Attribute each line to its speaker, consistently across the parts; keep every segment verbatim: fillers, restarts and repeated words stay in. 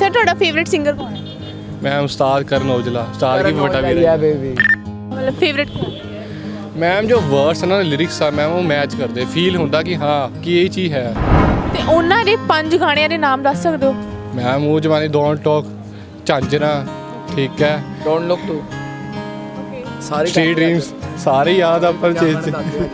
Speaker 1: Sir ਤੁਹਾਡਾ favourite singer ਕੌਣ ਹੈ?
Speaker 2: मैम उस्ताद करण औजला, उस्ताद की बड़ा वीर है
Speaker 3: बेबी।
Speaker 1: मतलब फेवरेट कौन है?
Speaker 2: मैम जो वर्ड्स है ना लिरिक्स आ मैम वो मैच करते फील होंदा कि हाँ कि ये चीज़ है।
Speaker 1: ਤੇ ਉਹਨਾਂ ਦੇ ਪੰਜ ਗਾਣਿਆਂ ਦੇ ਨਾਮ ਦੱਸ ਸਕਦੇ ਹੋ?
Speaker 2: मैम वो जमाने डोंट टॉक, झांझरा, ठीक है,
Speaker 3: डोंट लुक टू, सारी
Speaker 2: स्ट्रीट ड्रीम्स, सारे याद अपन चीज।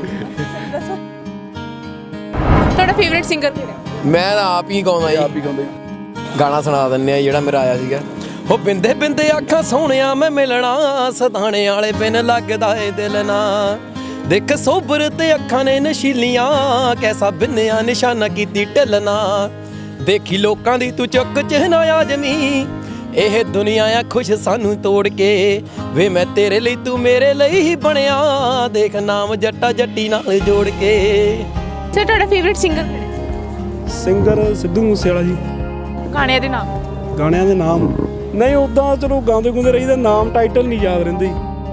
Speaker 1: ਤੁਹਾਡਾ ਫੇਵਰਿਟ ਸਿੰਗਰ ਕਿਹੜਾ ਹੈ?
Speaker 3: ਮੈਂ ਤਾਂ ਆਪ ਹੀ ਗਾਉਂਦਾ ਜੀ, ਆਪ ਹੀ ਗਾਉਂਦੇ ਗਾਣਾ ਸੁਣਾ ਦਿੰਨੇ ਆ ਜਿਹੜਾ ਮੇਰਾ ਆਇਆ ਸੀਗਾ। ਹੋ ਬਿੰਦੇ ਬਿੰਦੇ ਅੱਖਾਂ ਸੋਹਣਿਆ ਮੈਂ ਮਿਲਣਾ, ਸਦਾਣੇ ਵਾਲੇ ਬਿਨ ਲੱਗਦਾ ਏ ਦਿਲ ਨਾ, ਦੇਖ ਸੋਬਰ ਤੇ ਅੱਖਾਂ ਨੇ ਨਸ਼ੀਲੀਆਂ, ਕੈਸਾ ਬਿੰਨਿਆ ਨਿਸ਼ਾਨਾ ਕੀਤੀ ਢਿੱਲਣਾ, ਦੇਖੀ ਲੋਕਾਂ ਦੀ ਤੂੰ ਚੁੱਕ ਚਿਹਨਾ ਆਜਮੀ, ਇਹ ਦੁਨੀਆ ਆ ਖੁਸ਼ ਸਾਨੂੰ ਤੋੜ ਕੇ, ਵੇ ਮੈਂ ਤੇਰੇ ਲਈ ਤੂੰ ਮੇਰੇ ਲਈ ਹੀ ਬਣਿਆ, ਦੇਖ ਨਾਮ ਜੱਟਾ ਜੱਟੀ ਨਾਲ ਜੋੜ ਕੇ।
Speaker 1: ਸਰ ਤੁਹਾਡਾ ਫੇਵਰਿਟ ਸਿੰਗਰ ਕਿਹੜਾ ਹੈ?
Speaker 4: ਸਿੰਗਰ ਸਿੱਧੂ ਮੂਸੇਵਾਲਾ ਜੀ।
Speaker 1: ਗਾਣਿਆਂ ਦੇ ਨਾਮ?
Speaker 4: ਗਾਣਿਆਂ ਦੇ ਨਾਮ ਨਹੀਂ ਉੱਦਾਂ ਚਲੋ ਗਾਉਂਦੇ ਗੁੰਦੇ ਰਹੀਦਾ, ਨਾਮ ਟਾਈਟਲ ਨਹੀਂ ਯਾਦ ਰਹਿੰਦੇ।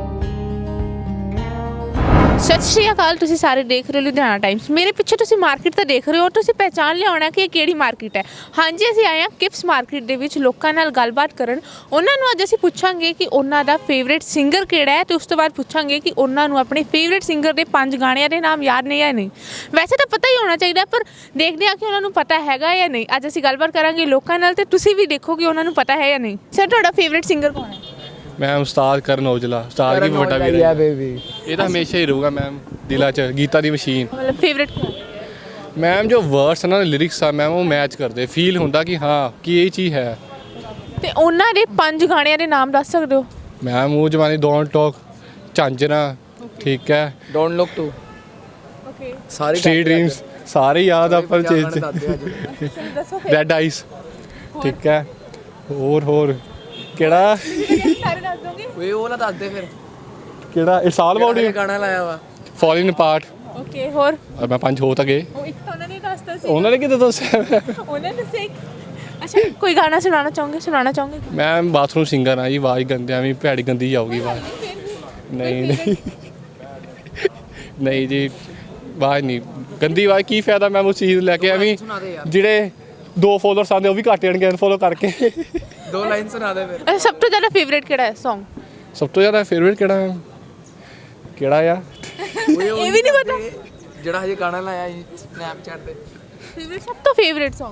Speaker 1: ਸਤਿ ਸ਼੍ਰੀ ਅਕਾਲ, ਤੁਸੀਂ ਸਾਰੇ ਦੇਖ ਰਹੇ ਹੋ ਲੁਧਿਆਣਾ ਟਾਈਮਸ। ਮੇਰੇ ਪਿੱਛੇ ਤੁਸੀਂ ਮਾਰਕੀਟ ਤਾਂ ਦੇਖ ਰਹੇ ਹੋ, ਤੁਸੀਂ ਪਹਿਚਾਣ ਲਿਆਉਣਾ ਕਿ ਇਹ ਕਿਹੜੀ ਮਾਰਕੀਟ ਹੈ। ਹਾਂਜੀ, ਅਸੀਂ ਆਏ ਹਾਂ ਕਿਪਸ ਮਾਰਕੀਟ ਦੇ ਵਿੱਚ ਲੋਕਾਂ ਨਾਲ ਗੱਲਬਾਤ ਕਰਨ। ਉਹਨਾਂ ਨੂੰ ਅੱਜ ਅਸੀਂ ਪੁੱਛਾਂਗੇ ਕਿ ਉਹਨਾਂ ਦਾ ਫੇਵਰੇਟ ਸਿੰਗਰ ਕਿਹੜਾ ਹੈ, ਤੇ ਉਸ ਤੋਂ ਬਾਅਦ ਪੁੱਛਾਂਗੇ ਕਿ ਉਹਨਾਂ ਨੂੰ ਆਪਣੇ ਫੇਵਰੇਟ ਸਿੰਗਰ ਦੇ ਪੰਜ ਗਾਣਿਆਂ ਦੇ ਨਾਮ ਯਾਦ ਨੇ ਜਾਂ ਨਹੀਂ। ਵੈਸੇ ਤਾਂ ਪਤਾ ਹੀ ਹੋਣਾ ਚਾਹੀਦਾ, ਪਰ ਦੇਖਦੇ ਹਾਂ ਕਿ ਉਹਨਾਂ ਨੂੰ ਪਤਾ ਹੈਗਾ ਜਾਂ ਨਹੀਂ। ਅੱਜ ਅਸੀਂ ਗੱਲਬਾਤ ਕਰਾਂਗੇ ਲੋਕਾਂ ਨਾਲ, ਤੇ ਤੁਸੀਂ ਵੀ ਦੇਖੋ ਕਿ ਉਹਨਾਂ ਨੂੰ ਪਤਾ ਹੈ ਜਾਂ ਨਹੀਂ। ਸਰ ਤੁਹਾਡਾ ਫੇਵਰੇਟ ਸਿੰਗਰ ਕੌਣ ਹੈ?
Speaker 2: मैम उस्ताद करण औजला, उस्ताद की बड़ा वीर है
Speaker 3: बेबी।
Speaker 2: ये तो हमेशा ही रहूगा मैम दिला च गीता दी मशीन।
Speaker 1: मतलब फेवरेट
Speaker 2: मैम जो वर्ड्स है ना लिरिक्स आ मैम वो मैच करते फील होंदा कि हाँ कि ये चीज़ है।
Speaker 1: ਤੇ ਉਹਨਾਂ ਦੇ ਪੰਜ ਗਾਣਿਆਂ ਦੇ ਨਾਮ ਦੱਸ ਸਕਦੇ ਹੋ?
Speaker 2: मैम वो जमाने डोंट टॉक, झांझरा, ठीक है,
Speaker 3: डोंट लुक टू,
Speaker 1: ਓਕੇ
Speaker 3: सारी
Speaker 2: स्ट्रीट ड्रीम्स, सारे याद अपन चीज। रेड आइस, ठीक है, और और केड़ा
Speaker 1: ਸਾਰੇ ਦੱਸ ਦੋਗੇ?
Speaker 3: ਓਏ ਉਹ ਨਾ ਦੱਸ ਦੇ ਫਿਰ
Speaker 2: केड़ा इट्स ऑल अबाउट यू,
Speaker 3: ਗਾਣਾ ਲਾਇਆ ਵਾ।
Speaker 2: Falling apart.
Speaker 1: ਓਕੇ ਹੋਰ?
Speaker 2: और मैं पंज हो तक गए
Speaker 1: ਉਹ ਇੱਕ ਤਾਂ ਉਹਨਾਂ ਨੇ ਦੱਸਤਾ ਸੀ,
Speaker 2: उन्होंने कितने दस्या।
Speaker 1: ਉਹਨਾਂ ਨੇ ਦੱਸਿਆ ਇੱਕ। ਅੱਛਾ, ਕੋਈ ਗਾਣਾ ਸੁਣਾਉਣਾ ਚਾਹੋਗੇ? ਸੁਣਾਉਣਾ ਚਾਹੋਗੇ?
Speaker 2: मैं बाथरूम सिंगर हाँ जी, आवाज़ गंदे भी भैड़ी गंदी जाऊगी आवाज़। नहीं नहीं नहीं जी, आवाज़ नहीं गंदी आवाज़ की फायदा मैम उस चीज़ लैके एवं ਜਿਹੜੇ ਦੋ ਫੋਲੋਅਰਸ ਆਉਂਦੇ ਉਹ ਵੀ ਘੱਟ ਜਾਣਗੇ ਅਨਫੋਲੋ ਕਰਕੇ।
Speaker 3: ਦੋ ਲਾਈਨ ਸੁਣਾ ਦੇ ਫਿਰ।
Speaker 1: ਅੱਛਾ, ਸਭ ਤੋਂ ਜ਼ਿਆਦਾ ਫੇਵਰੇਟ ਕਿਹੜਾ ਹੈ Song?
Speaker 2: ਸਭ ਤੋਂ ਜ਼ਿਆਦਾ ਫੇਵਰੇਟ ਕਿਹੜਾ ਹੈ? ਕਿਹੜਾ ਆ
Speaker 1: ਇਹ ਵੀ ਨਹੀਂ ਪਤਾ
Speaker 3: ਜਿਹੜਾ ਹਜੇ ਗਾਣਾ ਲਾਇਆ ਸੀ ਸਨੈਪਚੈਟ ਤੇ।
Speaker 1: ਫੇਵਰੇਟ, ਸਭ ਤੋਂ ਫੇਵਰੇਟ Song?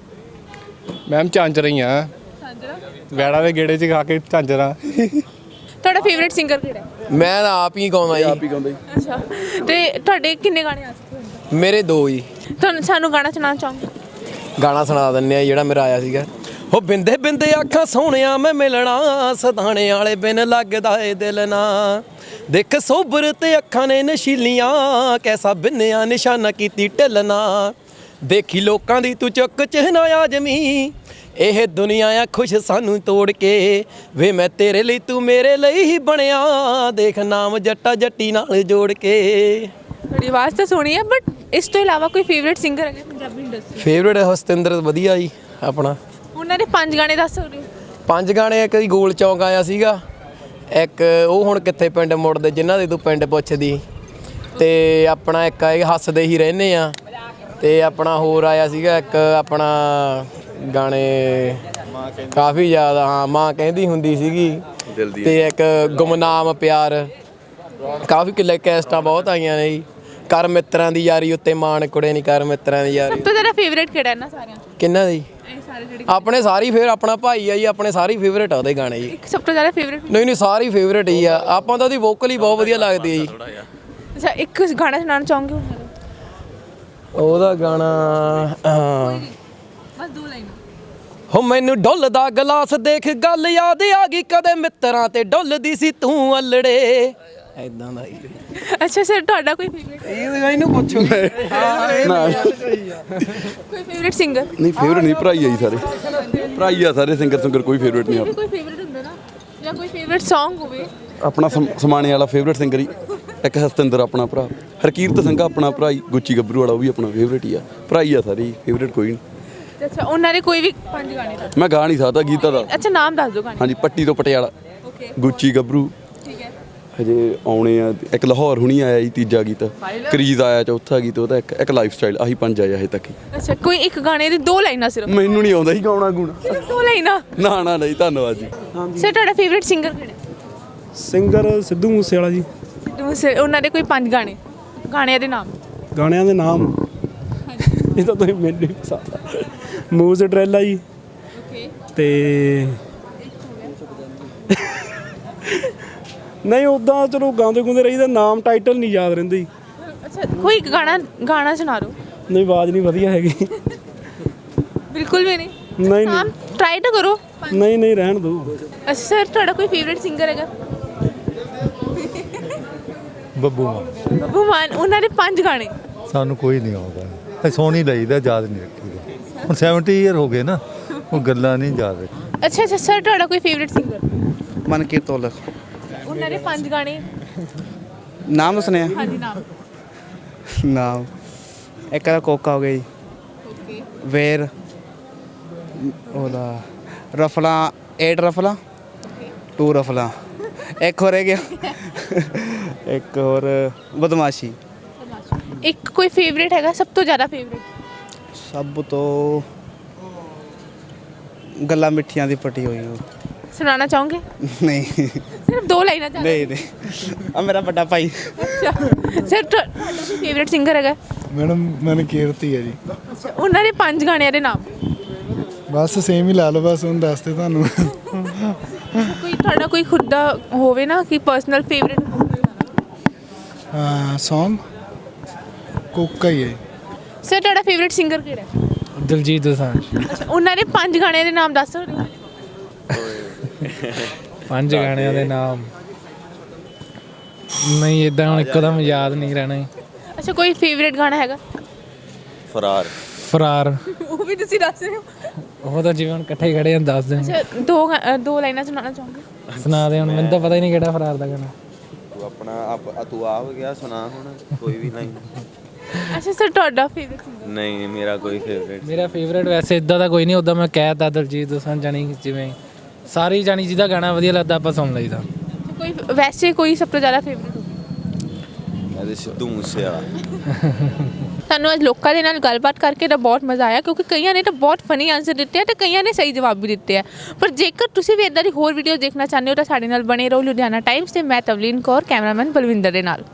Speaker 2: ਮੈਮ ਝਾਂਜਰਾਂ ਹੀ ਆ, ਵੈੜਾਂ ਦੇ ਗੇੜੇ 'ਚ ਖਾ ਕੇ ਝਾਂਜਰਾਂ।
Speaker 1: ਤੁਹਾਡਾ ਫੇਵਰੇਟ ਸਿੰਗਰ ਕਿਹੜਾ ਹੈ?
Speaker 3: ਮੈਂ ਤਾਂ ਆਪ ਹੀ ਗਾਉਂਦਾ ਜੀ, ਆਪ ਹੀ ਗਾਉਂਦਾ।
Speaker 1: ਅੱਛਾ, ਤੇ ਤੁਹਾਡੇ ਕਿੰਨੇ ਗਾਣੇ ਆ ਚੁੱਕੇ ਹੁਣ?
Speaker 3: ਮੇਰੇ ਦੋ ਹੀ।
Speaker 1: ਤੁਹਾਨੂੰ ਸਾਨੂੰ ਗਾਣਾ ਸੁਣਾਉਣਾ ਚਾਹੋਗੇ?
Speaker 3: ਗਾਣਾ ਸੁਣਾ ਦਿੰਨੇ ਆ ਜਿਹੜਾ ਮੇਰਾ ਆਇਆ ਸੀਗਾ। ਹੋ ਬਿੰਦੇ ਬਿੰਦੇ ਅੱਖਾਂ ਸੋਹਣਿਆ ਮੈਂ ਮਿਲਣਾ, ਸਦਾਣੇ ਵਾਲੇ ਬਿਨ ਲੱਗਦਾ ਏ ਦਿਲ ਨਾ, ਦੇਖ ਸੋਬਰ ਤੇ ਅੱਖਾਂ ਨੇ ਨਸ਼ੀਲੀਆਂ, ਕੈਸਾ ਬਿੰਨਿਆ ਨਿਸ਼ਾਨਾ ਕੀਤੀ ਢਿੱਲਣਾ, ਦੇਖੀ ਲੋਕਾਂ ਦੀ ਤੂੰ ਚੁੱਕ ਚਿਹਨਾ ਆਜਮੀ, ਇਹ ਦੁਨੀਆ ਆ ਖੁਸ਼ ਸਾਨੂੰ ਤੋੜ ਕੇ, ਵੇ ਮੈਂ ਤੇਰੇ ਲਈ ਤੂੰ ਮੇਰੇ ਲਈ ਹੀ ਬਣਿਆ, ਦੇਖ ਨਾਮ ਜੱਟਾ ਜੱਟੀ ਨਾਲ ਜੋੜ ਕੇ।
Speaker 1: ਤੁਹਾਡੀ ਆਵਾਜ਼ ਤਾਂ ਸੋਹਣੀ ਹੈ, ਬਟ ਇਸ ਤੋਂ ਇਲਾਵਾ ਕੋਈ ਫੇਵਰੇਟ ਸਿੰਗਰ ਹੈਗਾ ਪੰਜਾਬੀ ਇੰਡਸਟਰੀ?
Speaker 3: ਫੇਵਰੇਟ ਹਸਤਿੰਦਰ ਵਧੀਆ ਜੀ ਆਪਣਾ।
Speaker 1: ਉਹਨਾਂ ਦੇ ਪੰਜ ਗਾਣੇ ਦੱਸ ਸਕਦੇ ਹੋ?
Speaker 3: ਪੰਜ ਗਾਣੇ, ਇੱਕ ਦੀ ਗੋਲ ਚੌਂਕ ਆਇਆ ਸੀਗਾ, ਇੱਕ ਉਹ ਹੁਣ ਕਿੱਥੇ ਪਿੰਡ ਮੁੜਦੇ ਜਿਨ੍ਹਾਂ ਦੇ ਤੂੰ ਪਿੰਡ ਪੁੱਛਦੀ, ਤੇ ਆਪਣਾ ਇੱਕ ਇਹ ਹੱਸਦੇ ਹੀ ਰਹਿੰਦੇ ਆ, ਤੇ ਆਪਣਾ ਹੋਰ ਆਇਆ ਸੀਗਾ ਇੱਕ ਆਪਣਾ ਗਾਣੇ ਕਾਫੀ ਜ਼ਿਆਦਾ, ਹਾਂ ਮਾਂ ਕਹਿੰਦੀ ਹੁੰਦੀ ਸੀਗੀ, ਤੇ ਇੱਕ ਗੁਮਨਾਮ ਪਿਆਰ, ਕਾਫੀ ਕਿਲੇ ਕੈਸਟਾਂ ਬਹੁਤ ਆਈਆਂ ਨੇ ਜੀ। ਕਰ ਮਿੱਤਰਾਂ ਦੀ ਯਾਰੀ ਉੱਤੇ ਮਾਣ ਕੁੜੇ ਨਹੀਂ, ਕਰ ਮਿੱਤਰਾਂ ਦੀ ਯਾਰੀ।
Speaker 1: ਸਭ ਤੋਂ ਜ਼ਿਆਦਾ ਫੇਵਰੇਟ ਕਿਹੜਾ ਇਹਨਾਂ ਸਾਰਿਆਂ ਚੋਂ?
Speaker 3: ਕਿੰਨਾ ਦੀ?
Speaker 1: ਇਹ ਸਾਰੇ ਜਿਹੜੇ
Speaker 3: ਆਪਣੇ ਸਾਰੀ ਫੇਰ ਆਪਣਾ ਭਾਈ ਆ ਜੀ, ਆਪਣੇ ਸਾਰੀ ਫੇਵਰੇਟ ਆ ਉਹਦੇ ਗਾਣੇ ਜੀ।
Speaker 1: ਇੱਕ ਸਭ ਤੋਂ ਜ਼ਿਆਦਾ ਫੇਵਰੇਟ?
Speaker 3: ਨਹੀਂ ਨਹੀਂ ਸਾਰੀ ਫੇਵਰੇਟ ਹੀ ਆ, ਆਪਾਂ ਤਾਂ ਉਹਦੀ ਵੋਕਲ ਹੀ ਬਹੁਤ ਵਧੀਆ ਲੱਗਦੀ ਹੈ ਜੀ।
Speaker 1: ਅੱਛਾ, ਇੱਕ ਗਾਣਾ ਸੁਣਾਉਣਾ ਚਾਹੋਗੇ ਉਹਨਾਂ ਦਾ?
Speaker 3: ਉਹਦਾ ਗਾਣਾ
Speaker 1: ਬਸ ਦੋ ਲਾਈਨ।
Speaker 3: ਹੋ ਮੈਨੂੰ ਡੁੱਲਦਾ ਗਲਾਸ ਦੇਖ ਗੱਲ ਯਾਦ ਆ ਗਈ, ਕਦੇ ਮਿੱਤਰਾਂ ਤੇ ਡੁੱਲਦੀ ਸੀ ਤੂੰ ਅਲੜੇ, ਐਦਾਂ ਦਾ।
Speaker 1: ਅੱਛਾ ਸਰ, ਤੁਹਾਡਾ ਕੋਈ ਫੇਵਰੇਟ?
Speaker 3: ਇਹਨੂੰ ਪੁੱਛੋ।
Speaker 1: ਕੋਈ ਫੇਵਰੇਟ ਸਿੰਗਰ?
Speaker 5: ਨਹੀਂ ਫੇਵਰੇਟ ਨਹੀਂ, ਭਰਾਈ ਆ ਜੀ ਸਾਰੇ, ਭਰਾਈ ਆ ਸਾਰੇ ਸਿੰਗਰ ਸਿੰਗਰ, ਕੋਈ ਫੇਵਰੇਟ ਨਹੀਂ
Speaker 1: ਕੋਈ ਫੇਵਰੇਟ ਹੁੰਦਾ ਨਾ, ਜਾਂ ਕੋਈ ਫੇਵਰੇਟ Song ਹੋਵੇ
Speaker 5: ਆਪਣਾ। ਸਮਾਣੇ ਵਾਲਾ ਫੇਵਰੇਟ ਸਿੰਗਰ ਹੀ ਇੱਕ ਹਸਤਿੰਦਰ ਆਪਣਾ ਭਰਾ, ਹਰਕੀਰਤ ਸਿੰਘ ਆਪਣਾ ਭਰਾ ਹੀ, ਗੁੱਚੀ ਗੱਭਰੂ ਵਾਲਾ ਉਹ ਵੀ ਆਪਣਾ ਫੇਵਰੇਟ ਹੀ ਆ, ਭਰਾਈ ਆ ਸਾਰੇ, ਫੇਵਰੇਟ ਕੋਈ ਨਹੀਂ।
Speaker 1: ਅੱਛਾ, ਉਹਨਾਂ ਦੇ ਕੋਈ ਵੀ ਪੰਜ ਗਾਣੇ ਦੱਸ।
Speaker 5: ਮੈਂ ਗਾ ਨਹੀਂ ਸਕਦਾ ਗੀਤਾ ਦਾ।
Speaker 1: ਅੱਛਾ, ਨਾਮ ਦੱਸ ਦਿਓ ਗਾਣੇ।
Speaker 5: ਹਾਂਜੀ, ਪੱਟੀ ਤੋਂ ਪਟਿਆਲਾ,
Speaker 1: ਓਕੇ,
Speaker 5: ਗੁੱਚੀ ਗੱਭਰੂ,
Speaker 1: ਠੀਕ ਹੈ,
Speaker 5: ਹਜੇ ਆਉਣੇ ਆ। ਇੱਕ ਲਾਹੌਰ ਹੁਣੀ ਆਇਆ ਜੀ ਤੀਜਾ ਗੀਤ, ਕਰੀਜ਼ ਆਇਆ ਚੌਥਾ ਗੀਤ ਉਹਦਾ, ਇੱਕ ਇੱਕ ਲਾਈਫ ਸਟਾਈਲ, ਆਹੀ ਪੰਜ ਆਇਆ ਹਜੇ ਤੱਕ ਹੀ।
Speaker 1: ਅੱਛਾ ਕੋਈ ਇੱਕ ਗਾਣੇ ਦੀ ਦੋ ਲਾਈਨਾਂ ਸਿਰਫ?
Speaker 5: ਮੈਨੂੰ ਨਹੀਂ ਆਉਂਦਾ ਜੀ ਗਾਉਣਾ ਗੁਣਾ।
Speaker 1: ਸਿਰਫ ਦੋ ਲਾਈਨਾਂ?
Speaker 5: ਨਾ ਨਾ ਨਹੀਂ, ਧੰਨਵਾਦ ਜੀ।
Speaker 1: ਸਰ ਤੁਹਾਡਾ ਫੇਵਰਿਟ ਸਿੰਗਰ ਕਿਹੜਾ?
Speaker 4: ਸਿੰਗਰ ਸਿੱਧੂ ਮੂਸੇਵਾਲਾ ਜੀ।
Speaker 1: ਸਿੱਧੂ ਮੂਸੇ, ਉਹਨਾਂ ਦੇ ਕੋਈ ਪੰਜ ਗਾਣੇ, ਗਾਣਿਆਂ ਦੇ ਨਾਮ।
Speaker 4: ਗਾਣਿਆਂ ਦੇ ਨਾਮ ਇਹ ਤਾਂ ਤੁਸੀਂ ਮੈਨੂੰ ਨਹੀਂ ਪਤਾ। ਮੂਜ਼ ਡਰੈਲਾ ਜੀ
Speaker 1: ਓਕੇ।
Speaker 4: ਤੇ ਨਹੀਂ ਉੱਦਾਂ ਚਲੋ ਗਾਉਂਦੇ ਗੁੰਦੇ ਰਹੀਦਾ, ਨਾਮ ਟਾਈਟਲ ਨਹੀਂ ਯਾਦ ਰਹਿੰਦੇ ਜੀ।
Speaker 1: ਅੱਛਾ ਕੋਈ ਇੱਕ ਗਾਣਾ ਗਾਣਾ ਸੁਣਾ ਦਿਓ।
Speaker 4: ਨਹੀਂ ਆਵਾਜ਼ ਨਹੀਂ ਵਧੀਆ ਹੈਗੀ।
Speaker 1: ਬਿਲਕੁਲ ਵੀ ਨਹੀਂ?
Speaker 4: ਨਹੀਂ
Speaker 1: ਨਾਮ
Speaker 4: ਨਹੀਂ
Speaker 1: ਟਰਾਈ ਤਾਂ ਕਰੋ।
Speaker 4: ਨਹੀਂ ਨਹੀਂ ਰਹਿਣ ਦਿਓ।
Speaker 1: ਅੱਛਾ ਸਰ ਤੁਹਾਡਾ ਕੋਈ ਫੇਵਰਿਟ ਸਿੰਗਰ ਹੈਗਾ?
Speaker 6: ਬੱਬੂ ਮਾਨ।
Speaker 1: ਬੱਬੂ ਮਾਨ, ਉਹਨਾਂ ਦੇ ਪੰਜ ਗਾਣੇ।
Speaker 6: ਸਾਨੂੰ ਕੋਈ ਨਹੀਂ ਆਉਂਦਾ, ਅਸੀਂ ਸੁਣ ਹੀ ਲਈਦਾ, ਯਾਦ ਨਹੀਂ ਰੱਖੀਦਾ। ਹੁਣ ਸੈਵਨਟੀ ਈਅਰ ਹੋ ਗਏ ਨਾ, ਉਹ ਗੱਲਾਂ ਨਹੀਂ ਯਾਦ ਰੱਖੀ।
Speaker 1: ਅੱਛਾ ਅੱਛਾ ਸਰ ਤੁਹਾਡਾ ਕੋਈ ਫੇਵਰਿਟ ਸਿੰਗਰ?
Speaker 7: ਮਨਕੀਰਤ ਤੋਲਕ।
Speaker 1: ਉਹਨਾਂ ਦੇ ਪੰਜ ਗਾਣੇ।
Speaker 7: ਨਾਮ ਦੱਸਣੇ ਆ?
Speaker 1: ਹਾਂਜੀ ਨਾਮ।
Speaker 7: ਨਾਮ ਇੱਕ ਦਾ ਕੋਕਾ ਹੋ ਗਿਆ ਜੀ,
Speaker 1: ਓਕੇ।
Speaker 7: ਵੇਰ, ਉਹਦਾ ਰਫਲਾ, ਏਟ ਰਫਲਾ, ਟੂ ਰਫਲਾ, ਇੱਕ ਹੋਰ ਰਹਿ ਗਿਆ, ਇੱਕ ਹੋਰ ਬਦਮਾਸ਼ੀ।
Speaker 1: ਇੱਕ ਕੋਈ ਫੇਵਰਿਟ ਹੈਗਾ, ਸਭ ਤੋਂ ਜ਼ਿਆਦਾ ਫੇਵਰਿਟ?
Speaker 7: ਸਭ ਤੋਂ ਗੱਲਾਂ ਮਿੱਠੀਆਂ ਦੀ ਪੱਟੀ ਹੋਈ ਉਹ।
Speaker 1: ਸੁਣਾਉਣਾ ਚਾਹੋਗੇ?
Speaker 7: ਨਹੀਂ
Speaker 1: ਸਿਰਫ ਦੋ ਲਾਈਨਾਂ ਚਾਹੀਦੀਆਂ।
Speaker 7: ਨਹੀਂ ਨਹੀਂ ਆ ਮੇਰਾ ਵੱਡਾ ਭਾਈ।
Speaker 1: ਅੱਛਾ ਸਰ ਤੁਹਾਡਾ ਕੋਈ ਫੇਵਰਿਟ ਸਿੰਗਰ ਹੈਗਾ?
Speaker 8: ਮੈਡਮ ਮੈਨੂੰ ਕੀਰਤੀ ਹੈ ਜੀ।
Speaker 1: ਅੱਛਾ ਉਹਨਾਂ ਦੇ ਪੰਜ ਗਾਣਿਆਂ ਦੇ ਨਾਮ।
Speaker 8: ਬਸ ਸੇਮ ਹੀ ਲਾ ਲਓ, ਬਸ ਹੁਣ ਦੱਸਦੇ ਤੁਹਾਨੂੰ।
Speaker 1: ਕੋਈ ਤੁਹਾਡਾ ਕੋਈ ਖੁਦ ਦਾ ਹੋਵੇ ਨਾ ਕਿ ਪਰਸਨਲ ਫੇਵਰਿਟ?
Speaker 8: ਹਾਂ ਸੌਂਗ ਕੋਕਾ ਹੀ ਹੈ।
Speaker 1: ਸਰ ਤੁਹਾਡਾ ਫੇਵਰਿਟ ਸਿੰਗਰ ਕਿਹੜਾ ਹੈ?
Speaker 4: ਦਿਲਜੀਤ ਦੋਸਾਂਝ।
Speaker 1: ਅੱਛਾ ਉਹਨਾਂ ਦੇ ਪੰਜ ਗਾਣਿਆਂ ਦੇ ਨਾਮ ਦੱਸ ਸਕਦੇ ਹੋ?
Speaker 9: ਪੰਜ ਗਾਣਿਆਂ ਦੇ ਨਾਮ ਨਹੀਂ, ਇਦਾਂ ਹੁਣ ਇੱਕਦਮ ਯਾਦ ਨਹੀਂ ਰਹਿਣਾ।
Speaker 1: ਅੱਛਾ ਕੋਈ ਫੇਵਰਿਟ ਗਾਣਾ ਹੈਗਾ?
Speaker 5: ਫਰਾਰ।
Speaker 9: ਫਰਾਰ,
Speaker 1: ਉਹ ਵੀ ਤੁਸੀਂ ਦੱਸ ਰਹੇ ਹੋ?
Speaker 9: ਉਹ ਤਾਂ ਜਿਵੇਂ ਹੁਣ ਇਕੱਠੇ ਹੀ ਖੜੇ ਹਾਂ ਦੱਸ ਦੇ।
Speaker 1: ਅੱਛਾ ਦੋ ਗਾ- ਅ, ਦੋ ਲਾਈਨਾਂ ਸੁਣਾਉਣਾ ਚਾਹੋਗੇ?
Speaker 9: ਸੁਣਾ ਦੇ, ਹੁਣ ਮੈਨੂੰ ਤਾਂ ਪਤਾ ਹੀ ਨਹੀਂ ਕਿਹੜਾ ਫਰਾਰ ਦਾ ਗਾਣਾ।
Speaker 5: ਤੂੰ ਆਪਣਾ ਆਪ ਤੂੰ ਆ ਹੋ ਗਿਆ, ਸੁਣਾ ਹੁਣ ਕੋਈ ਵੀ ਨਹੀਂ।
Speaker 1: ਅੱਛਾ ਸਰ ਤੁਹਾਡਾ ਫੇਵਰਿਟ ਸਿੰਗਰ?
Speaker 5: ਨਹੀਂ ਮੇਰਾ ਕੋਈ ਫੇਵਰੇਟ।
Speaker 9: ਮੇਰਾ ਫੇਵਰੇਟ ਵੈਸੇ ਇਦਾਂ ਦਾ ਕੋਈ ਨਹੀਂ, ਉੱਦਾਂ ਮੈਂ ਕਹਿ ਤਾ ਦਿਲਜੀਤ ਦੋਸਾਂਝ, ਜਾਣੀ ਜਿਵੇਂ ਸਾਰੀ ਜਾਣੀ ਜਿਹਦਾ ਗਾਣਾ ਵਧੀਆ ਲੱਗਦਾ ਆਪਾਂ ਸੁਣ ਲਈਦਾ।
Speaker 1: ਕੋਈ ਵੈਸੇ ਕੋਈ ਸਭ ਤੋਂ ਜ਼ਿਆਦਾ ਫੇਵਰਿਟ ਹੋਵੇ?
Speaker 5: ਇਹਦੇ ਸਿੱਧੂ ਮੂਸੇਵਾਲਾ।
Speaker 1: ਸਾਨੂੰ ਅੱਜ ਲੋਕਾਂ ਦੇ ਨਾਲ ਗੱਲਬਾਤ ਕਰਕੇ ਤਾਂ ਬਹੁਤ ਮਜ਼ਾ ਆਇਆ, ਕਿਉਂਕਿ ਕਈਆਂ ਨੇ ਤਾਂ ਬਹੁਤ ਫਨੀ ਆਨਸਰ ਦਿੱਤੇ ਆ ਤੇ ਕਈਆਂ ਨੇ ਸਹੀ ਜਵਾਬ ਵੀ ਦਿੱਤੇ ਆ। ਪਰ ਜੇਕਰ ਤੁਸੀਂ ਵੀ ਇਦਾਂ ਦੀ ਹੋਰ ਵੀਡੀਓ ਦੇਖਣਾ ਚਾਹੁੰਦੇ ਹੋ ਤਾਂ ਸਾਡੇ ਨਾਲ ਬਣੇ ਰਹੋ ਲੁਧਿਆਣਾ ਟਾਈਮਸ ਤੇ। ਮੈਂ ਤਵਲੀਨ ਕੌਰ, ਕੈਮਰਾਮੈਨ ਬਲਵਿੰਦਰ ਦੇ ਨਾਲ।